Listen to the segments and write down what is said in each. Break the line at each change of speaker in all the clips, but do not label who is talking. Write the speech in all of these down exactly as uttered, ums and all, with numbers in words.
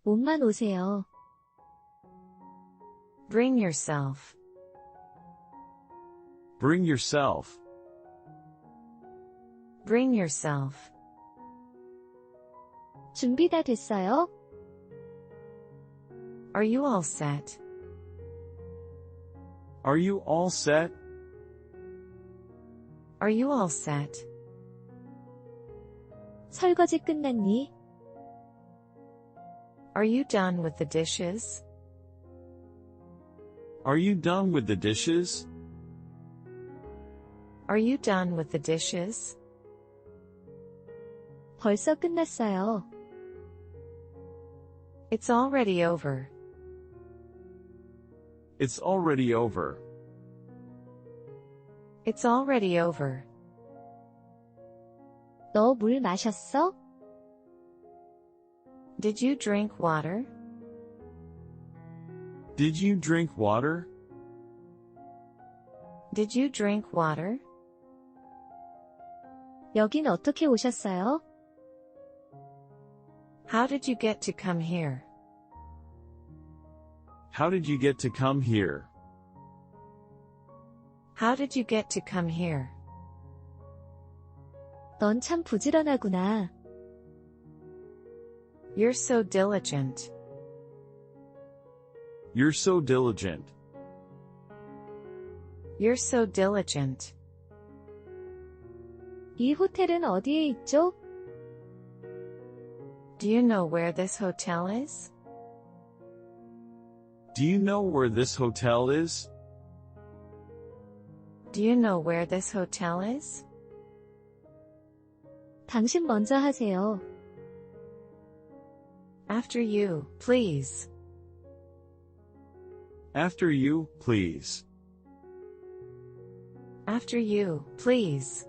몸만 오세요.
Bring yourself.
Bring yourself.
Bring yourself.
준비 다 됐어요?
Are you all set?
Are you all set?
Are you all set?
설거지 끝났니?
Are you done with the dishes?
Are you done with the dishes?
Are you done with the dishes?
벌써 끝났어요.
It's already over.
It's already over.
It's already over.
너 물 마셨어?
Did you drink water?
Did you drink water?
Did you drink water?
여긴 어떻게 오셨어요?
How did you get to come here?
How did you get to come here?
How did you get to come here?
넌 참 부지런하구나.
You're so diligent.
You're so diligent.
You're so diligent.
이 호텔은 어디에 있죠?
Do you know where this hotel is?
Do you know where this hotel is?
Do you know where this hotel is?
당신 먼저 하세요.
After you, please.
After you, please.
After you, please.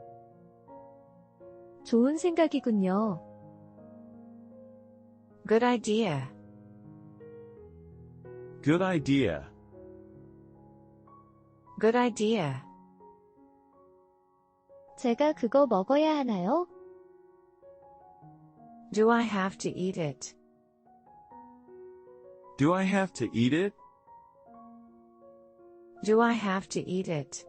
좋은 생각이군요.
Good idea.
Good idea.
Good idea.
제가 그거 먹어야 하나요?
Do I have to eat it?
Do I have to eat it?
Do I have to eat it?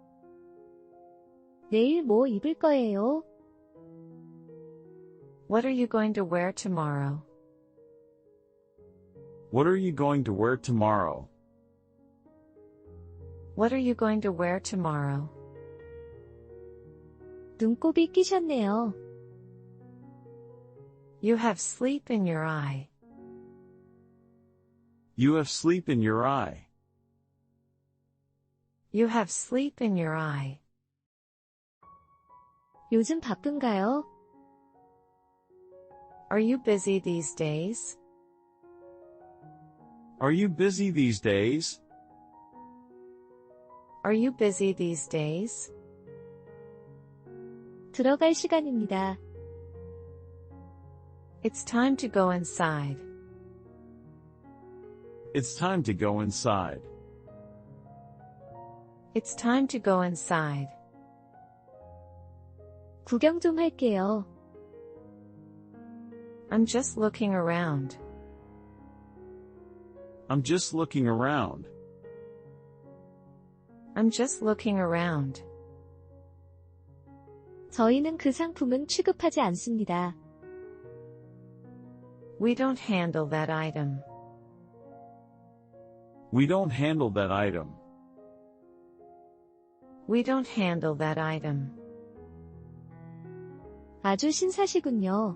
내일 뭐 입을 거예요?
What are you going to wear tomorrow?
What are you going to wear tomorrow?
What are you going to wear tomorrow?
눈곱이 끼셨네요.
You have sleep in your eye.
You have sleep in your eye.
You have sleep in your eye.
요즘 바쁜가요?
Are you busy these days?
Are you busy these days?
Are you busy these days?
들어갈 시간입니다.
It's time to go inside.
It's time to go inside.
It's time to go inside.
구경 좀 할게요.
I'm just looking around.
I'm just looking around.
I'm just looking around.
저희는 그 상품은 취급하지 않습니다.
We don't handle that item.
We don't handle that item.
We don't handle that item.
아주 신사시군요.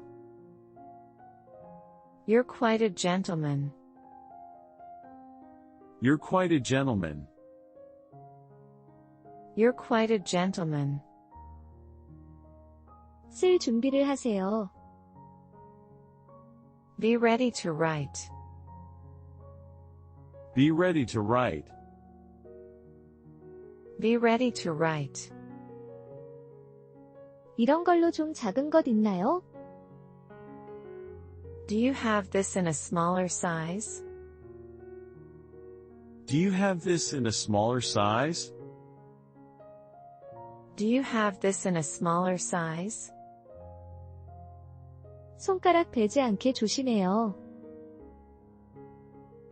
You're quite a gentleman.
You're quite a gentleman.
You're quite a gentleman.
쓸 준비를 하세요.
Be ready to write.
Be ready to write.
Be ready to write.
이런 걸로 좀 작은 것 있나요?
Do you have this in a smaller size?
Do you have this in a smaller size?
Do you have this in a smaller size?
손가락 베지 않게 조심해요.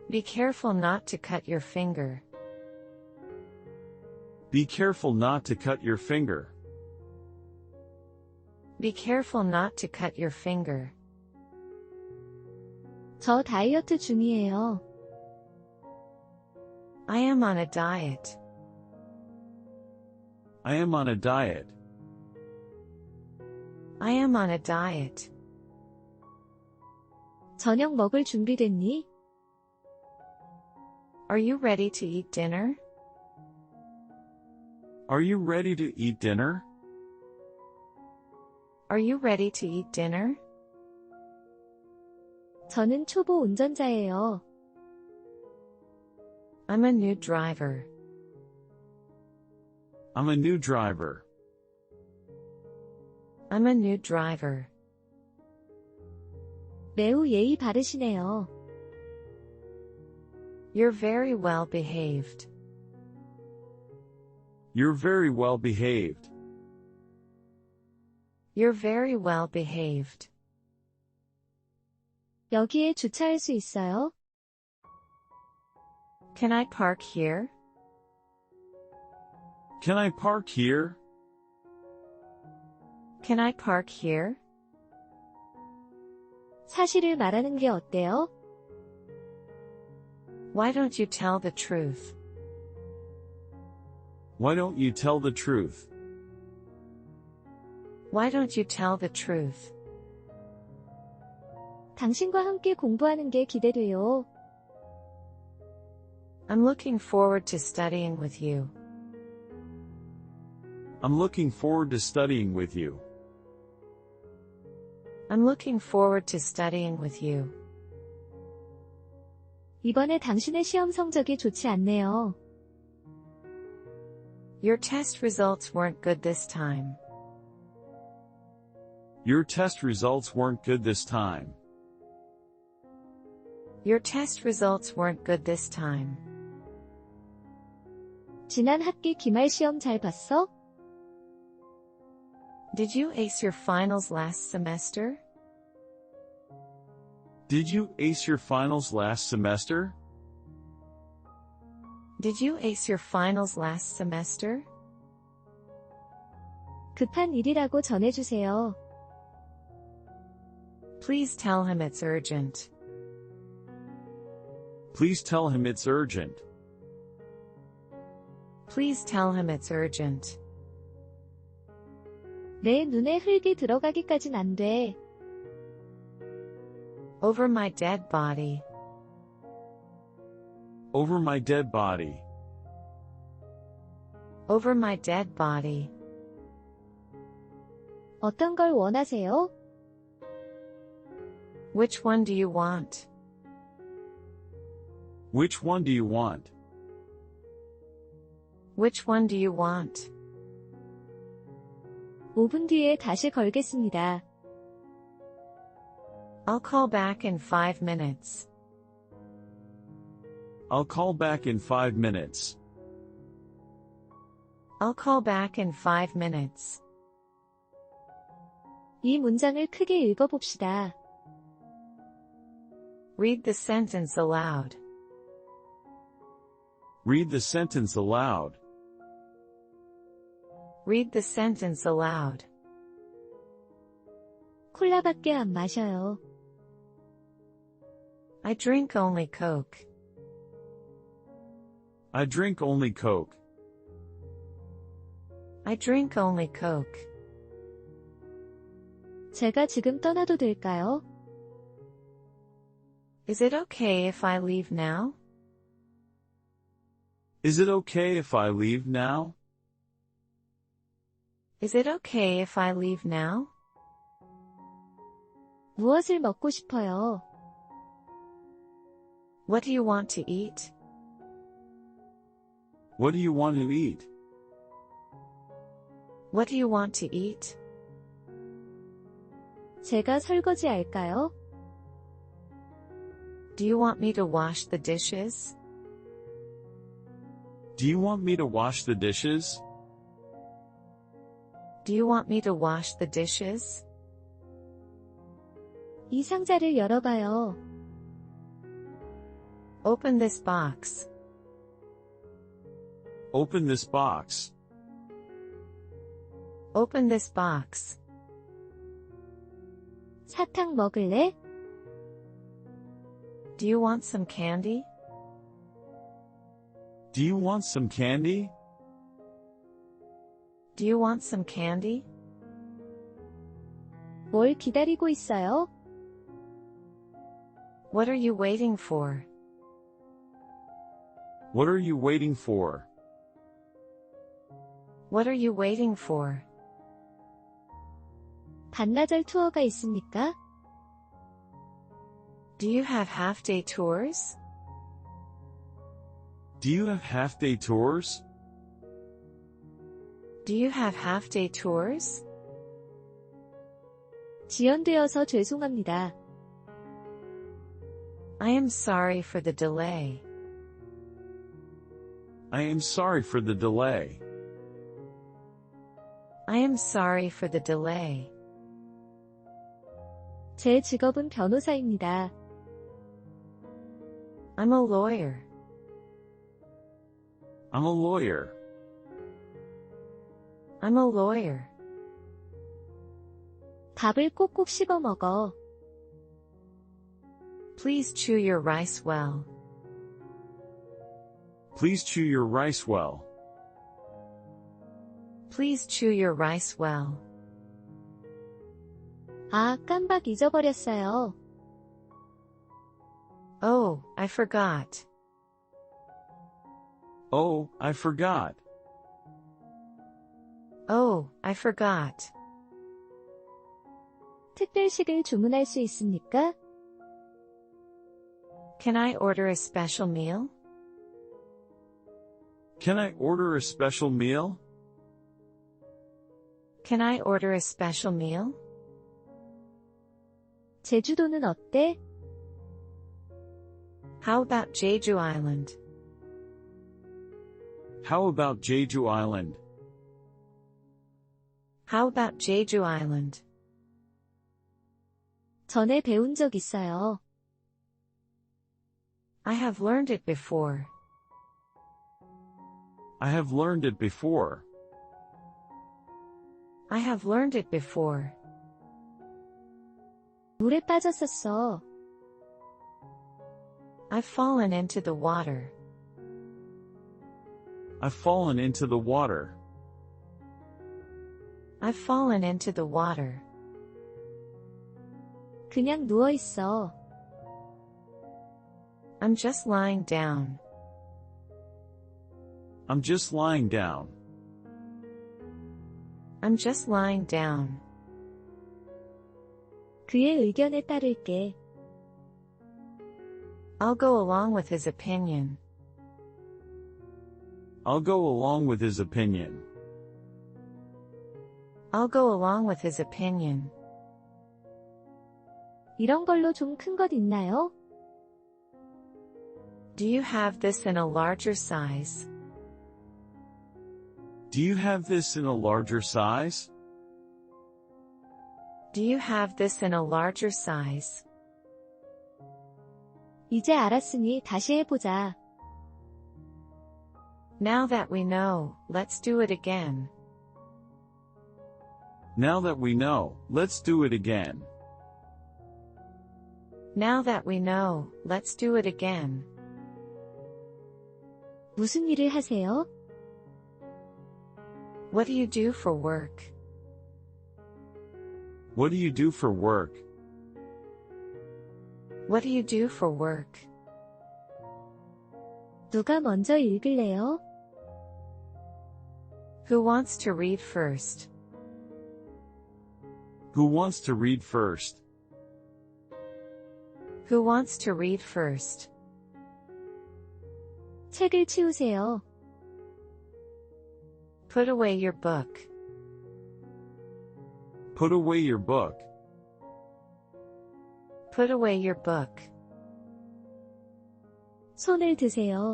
Be careful not to cut your finger.
Be careful not to cut your finger.
Be careful not to cut your finger.
저 다이어트 중이에요.
I am on a diet.
I am on a diet.
I am on a diet.
저녁 먹을 준비됐니?
Are you ready to eat dinner?
Are you ready to eat dinner?
Are you ready to eat dinner?
저는 초보 운전자예요.
I'm a new driver.
I'm a new driver.
I'm a new driver.
매우 예의 바르시네요.
You're very well behaved.
You're very well behaved.
You're very well behaved.
여기에 주차할 수 있어요?
Can I park here?
Can I park here?
Can I park here?
사실을 말하는 게 어때요?
Why don't you tell the truth?
Why don't you tell the truth?
Why don't you tell the truth?
당신과 함께 공부하는 게 기대돼요.
I'm looking forward to studying with you.
I'm looking forward to studying with you.
I'm looking forward to studying with you.
이번에 당신의 시험 성적이 좋지 않네요.
Your test results weren't good this time.
Your test results weren't good this time.
Your test results weren't good this time.
지난 학기 기말 시험 잘 봤어?
Did you ace your finals last semester?
Did you ace your finals last semester?
Did you ace your finals last semester?
급한 일이라고 전해주세요.
Please tell him it's urgent.
Please tell him it's urgent.
Please tell him it's urgent.
내 눈에 흙이 들어가기까진 안 돼.
Over my dead body.
Over my dead body.
Over my dead body.
어떤 걸 원하세요?
Which one do you want?
Which one do you want?
Which one do you want?
오 분 뒤에 다시 걸겠습니다.
I'll call back in five minutes.
I'll call back in five minutes.
I'll call back in five minutes.
이 문장을 크게 읽어봅시다.
Read the sentence aloud.
Read the sentence aloud.
Read the sentence aloud.
콜라밖에 안 마셔요.
I drink only Coke.
I drink only Coke.
I drink only Coke.
제가 지금 떠나도 될까요?
Is it okay if I leave now?
Is it okay if I leave now?
Is it okay if I leave now?
무엇을 먹고 싶어요?
What do you want to eat?
What do you want to eat?
What do you want to eat?
제가 설거지 할까요?
Do you want me to wash the dishes?
Do you want me to wash the dishes?
Do you want me to wash the dishes?
이 상자를 열어봐요.
Open this box.
Open this box.
Open this box.
사탕 먹을래?
Do you want some candy?
Do you want some candy?
Do you want some candy?
뭘 기다리고 있어요?
What are you waiting for?
What are you waiting for?
What are you waiting for?
반나절 투어가 있습니까?
Do you have half-day tours?
Do you have half-day tours?
Do you have half-day tours?
지연되어서 죄송합니다.
I am sorry for the delay.
I am sorry for the delay.
I am sorry for the delay.
제 직업은 변호사입니다.
I'm a lawyer.
I'm a lawyer.
I'm a lawyer.
밥을 꼭꼭 씹어 먹어.
Please chew your rice well.
Please chew your rice well.
Please chew your rice well.
아, 깜빡 잊어버렸어요.
Oh, I forgot.
Oh, I forgot.
Oh, I forgot.
특별식을 주문할 수 있습니까?
Can I order a special meal?
Can I order a special meal?
Can I order a special meal?
제주도는 어때?
How about Jeju Island?
How about Jeju Island?
How about Jeju Island?
전에 배운 적 있어요.
I have learned it before.
I have learned it before.
I have learned it before.
물에 빠졌었어.
I've fallen into the water.
I've fallen into the water.
I've fallen into the water.
그냥 누워 있어.
I'm just lying down.
I'm just lying down.
I'm just lying down.
그의 의견에 따를게.
I'll go along with his opinion.
I'll go along with his opinion.
I'll go along with his opinion.
이런 걸로 좀 큰 것 있나요?
Do you have this in a larger size?
Do you have this in a larger size?
Do you have this in a larger size?
이제 알았으니 다시 해보자.
Now that we know, let's do it again.
Now that we know, let's do it again.
Now that we know, let's do it again.
무슨 일을 하세요?
What do you do for work?
What do you do for work?
What do you do for work?
누가 먼저 읽을래요?
Who wants to read first?
Who wants to read first?
Who wants to read first?
책을 치우세요.
Put away your book.
Put away your book.
Put away your book.
손을 드세요.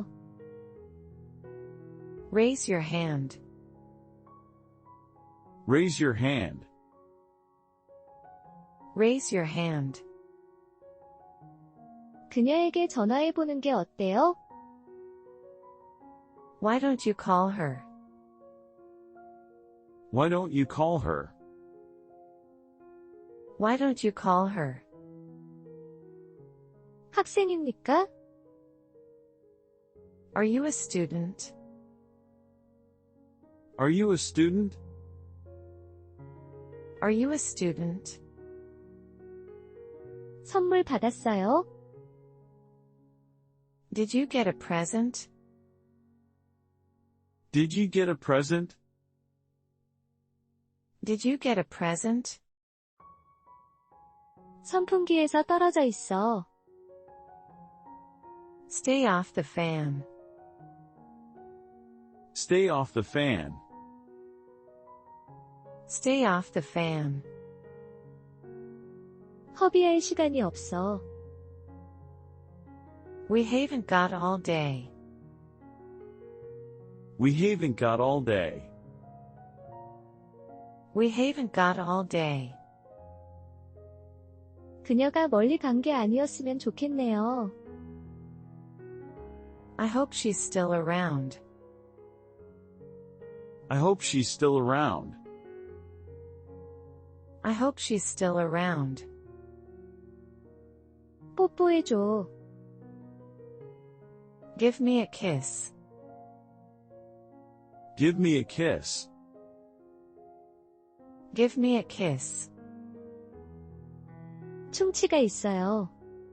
Raise your hand.
Raise your hand.
Raise your hand.
그녀에게 전화해보는 게 어때요?
Why don't you call her?
Why don't you call her?
Why don't you call her?
학생입니까?
Are you a student?
Are you a student?
Are you a student?
선물 받았어요?
Did you get a present?
Did you get a present?
Did you get a present?
선풍기에서 떨어져 있어.
Stay off the fan.
Stay off the fan.
Stay off the fan.
허비할 시간이 없어.
We haven't got all day.
We haven't got all day.
We haven't got all day.
그녀가 멀리 간 게 아니었으면 좋겠네요.
I hope she's still around.
I hope she's still around.
I hope she's still around.
뽀뽀해줘.
Give me a kiss.
Give me a kiss.
Give me a kiss.
충치가 있어요.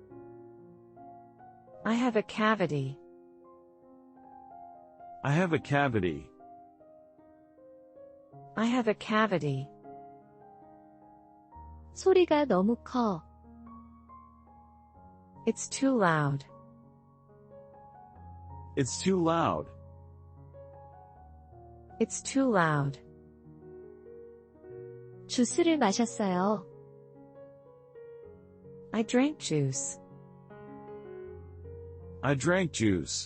I have a cavity.
I have a cavity.
I have a cavity.
소리가 너무 커.
It's too loud.
It's too loud.
It's too loud.
주스를 마셨어요.
I drank juice.
I drank juice.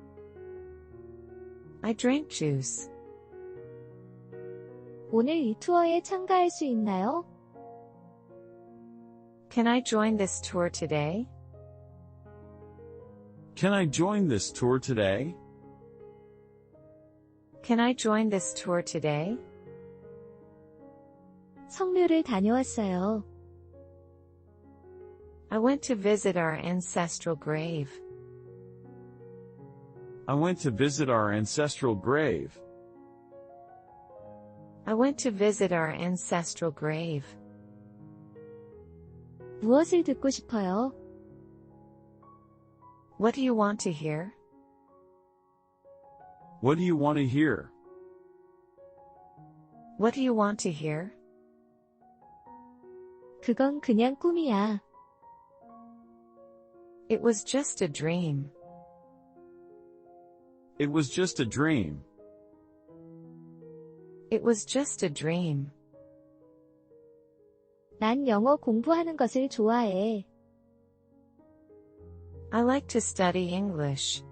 I drank juice.
오늘 이 투어에 참가할 수 있나요?
Can I join this tour today?
Can I join this tour today?
Can I join this tour today?
성묘를 다녀왔어요.
I went to visit our ancestral grave.
I went to visit our ancestral grave.
I went to visit our ancestral grave.
무엇을 듣고 싶어요?
What do you want to hear?
What do you want to hear?
What do you want to hear?
그건 그냥 꿈이야.
It was just a dream.
It was just a dream.
It was just a dream.
난 영어 공부하는 것을 좋아해.
I like to study English.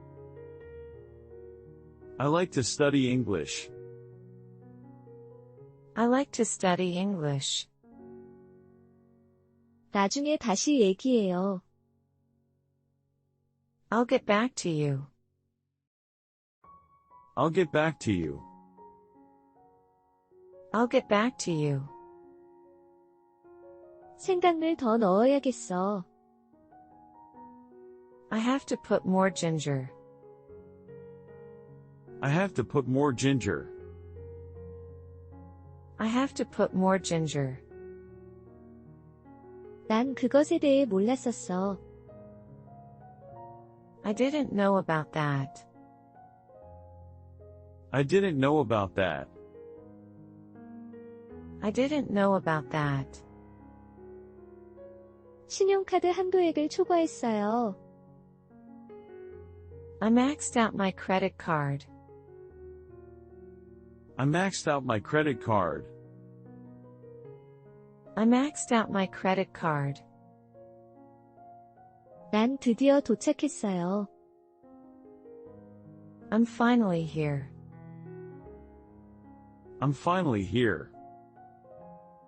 I like to study English.
I like to study English.
나중에 다시 얘기해요.
I'll get back to you.
I'll get back to you.
I'll get back to you.
생강을 더 넣어야겠어.
I have to put more ginger.
I have to put more ginger.
I have to put more ginger.
난 그것에 대해 몰랐었어.
I didn't know about that.
I didn't know about that.
I didn't know about that.
신용카드 한도액을 초과했어요.
I maxed out my credit card.
I maxed out my credit card.
I maxed out my credit card.
난 드디어 도착했어요.
I'm finally here.
I'm finally here.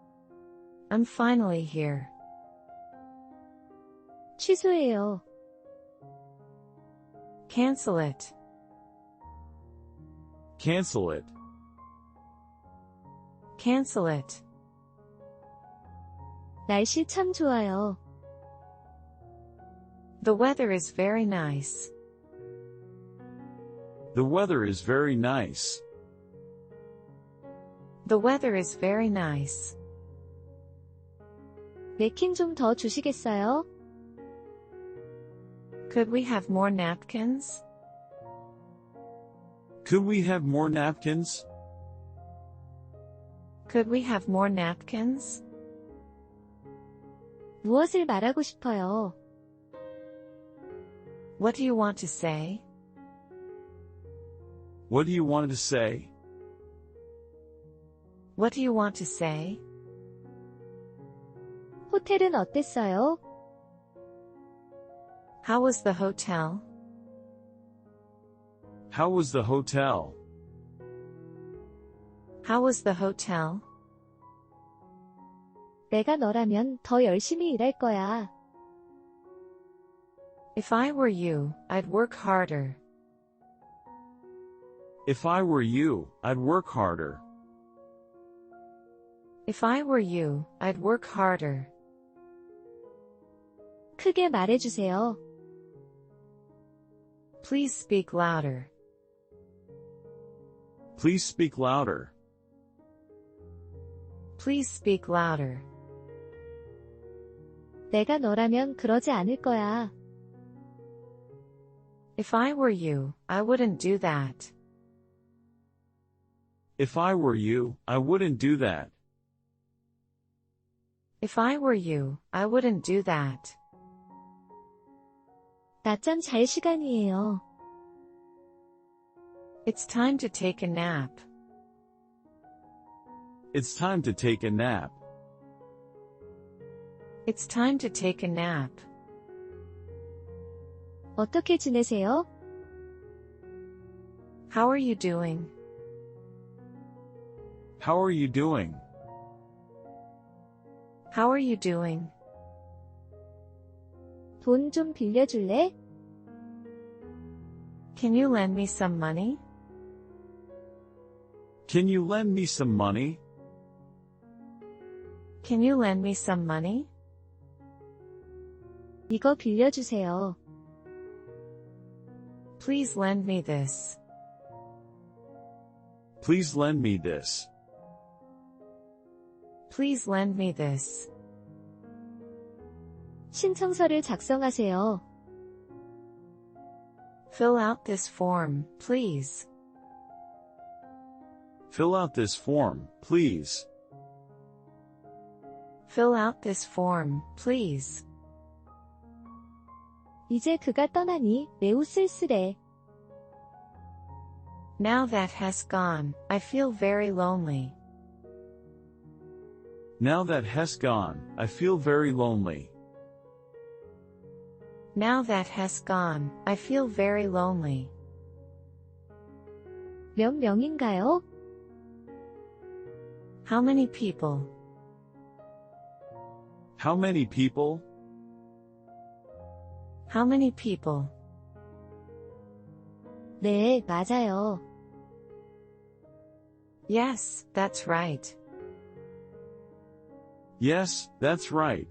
I'm finally here.
취소해요.
Cancel it.
Cancel it.
Cancel it.
날씨 참 좋아요.
The weather is very nice.
The weather is very nice.
The weather is very nice.
냅킨 좀 더 주시겠어요?
Could we have more napkins?
Could we have more napkins?
Could we have more napkins?
무엇을 말하고 싶어요?
What do you want to say?
What do you want to say?
What do you want to say?
호텔은 어땠어요?
How was the hotel?
How was the hotel?
How was the hotel?
내가 너라면 더 열심히 일할 거야.
If I were you, I'd work harder.
If I were you, I'd work harder.
If I were you, I'd work harder.
크게 말해주세요.
Please speak louder.
Please speak louder.
Please speak louder.
내가 너라면 그러지 않을 거야.
If I were you, I wouldn't do that.
If I were you, I wouldn't do that.
If I were you, I wouldn't do that.
낮잠 잘 시간이에요.
It's time to take a nap.
It's time to take a nap.
It's time to take a nap.
어떻게 지내세요?
How are you doing?
How are you doing?
How are you doing?
돈 좀 빌려줄래?
Can you lend me some money?
Can you lend me some money?
Can you lend me some money?
이거 빌려주세요.
Please lend me this.
Please lend me this.
Please lend me this.
신청서를 작성하세요.
Fill out this form, please.
Fill out this form, please.
Fill out this form, please.
이제 그가 떠나니 매우 쓸쓸해.
Now that has gone, I feel very lonely.
Now that has gone, I feel very lonely.
Now that has gone, I feel very lonely.
몇 명인가요?
How many people?
How many people?
How many people?
네, 맞아요.
Yes, that's right.
Yes, that's right.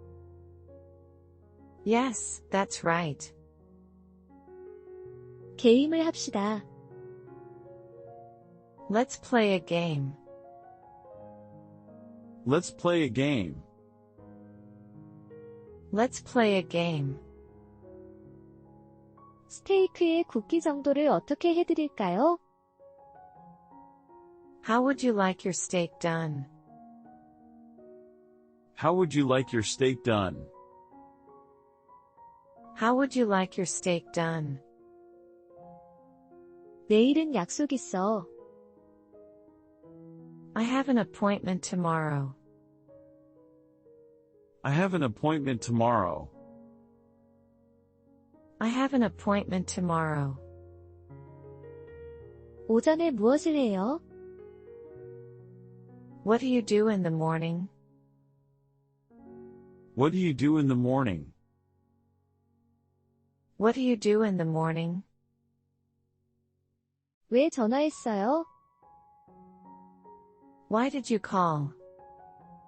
Yes, that's right.
게임을 합시다.
Let's play a game.
Let's play a game.
Let's play a game.
스테이크의 굽기 정도를 어떻게 해드릴까요?
How would you like your steak done?
How would you like your steak done?
How would you like your steak done?
내일은 약속 있어.
I have an appointment tomorrow.
I have an appointment tomorrow.
I have an appointment tomorrow.
오전에 무엇을 해요?
What do you do in the morning?
What do you do in the morning?
What do you do in the morning?
왜 전화했어요?
Why did you call?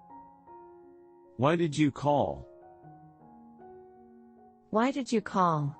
Why did you call?
Why did you call?